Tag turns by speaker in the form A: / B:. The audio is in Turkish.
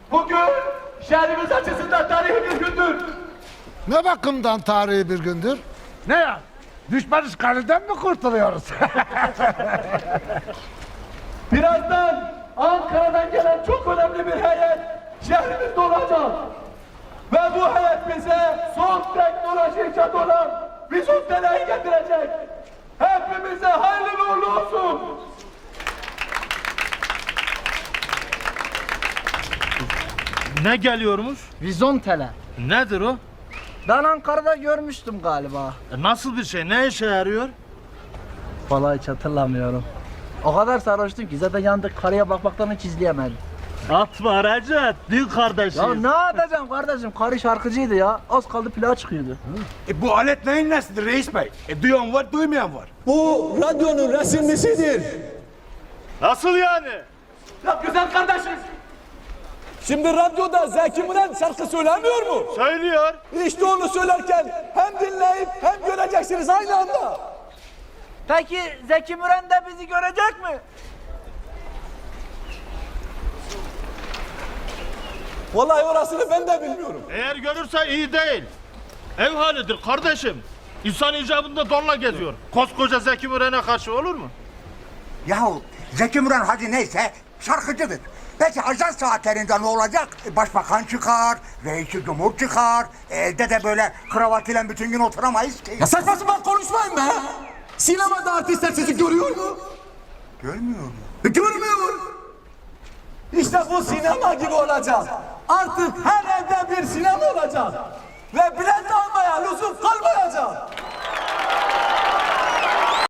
A: Bugün şehrimiz açısından tarihi bir gündür.
B: Ne bakımdan tarihi bir gündür?
C: Ne ya? Düşman işgalinden mi kurtuluyoruz?
A: Birazdan Ankara'dan gelen çok önemli bir heyet şehrimizde olacak. Ve bu heyet bize son teknoloji icat olan Vizontele'yi getirecek. Hepimize hayırlı uğurlu olsun.
D: Ne geliyormuş?
E: Vizontele.
D: Nedir o?
E: Ben Ankara'da görmüştüm galiba.
D: Nasıl bir şey? Ne işe yarıyor?
E: Vallahi hiç hatırlamıyorum. O kadar sarhoştum ki zaten yanındaki karıya bakmaktan hiç izleyemedim.
D: Atma Recep, din kardeşim.
E: Ya ne yapacağım kardeşim? Karı şarkıcıydı ya. Az kaldı plağa çıkıyordu.
C: Bu alet neyin nesidir reis bey? Duyan var, duymayan var.
F: Bu radyonun resimlisidir.
D: Nasıl yani?
A: Ya güzel kardeşim.
F: Şimdi radyoda Zeki Müren şarkı söylemiyor mu?
D: Söylüyor.
F: İşte onu söylerken hem dinleyip hem göreceksiniz aynı anda.
E: Peki Zeki Müren de bizi görecek mi?
F: Vallahi orasını ben de bilmiyorum.
D: Eğer görürse iyi değil. Ev halidir kardeşim. İnsan icabında donla geziyor. Koskoca Zeki Müren'e karşı olur mu?
G: Yahu Zeki Müren hadi neyse şarkıcıdır. Peki ajan saatlerinde ne olacak? Başbakan çıkar, reisi cumhur çıkar. Evde de böyle kravat ile bütün gün oturamayız ki.
F: Ya saçma sapan konuşmayın be. Sinemada artistler sizi görüyor mu?
G: Görmüyor mu?
F: Görmüyor. İşte bu sinema gibi olacak. Artık her evde bir sinema olacak. Ve bilet almaya lüzum kalmayacak.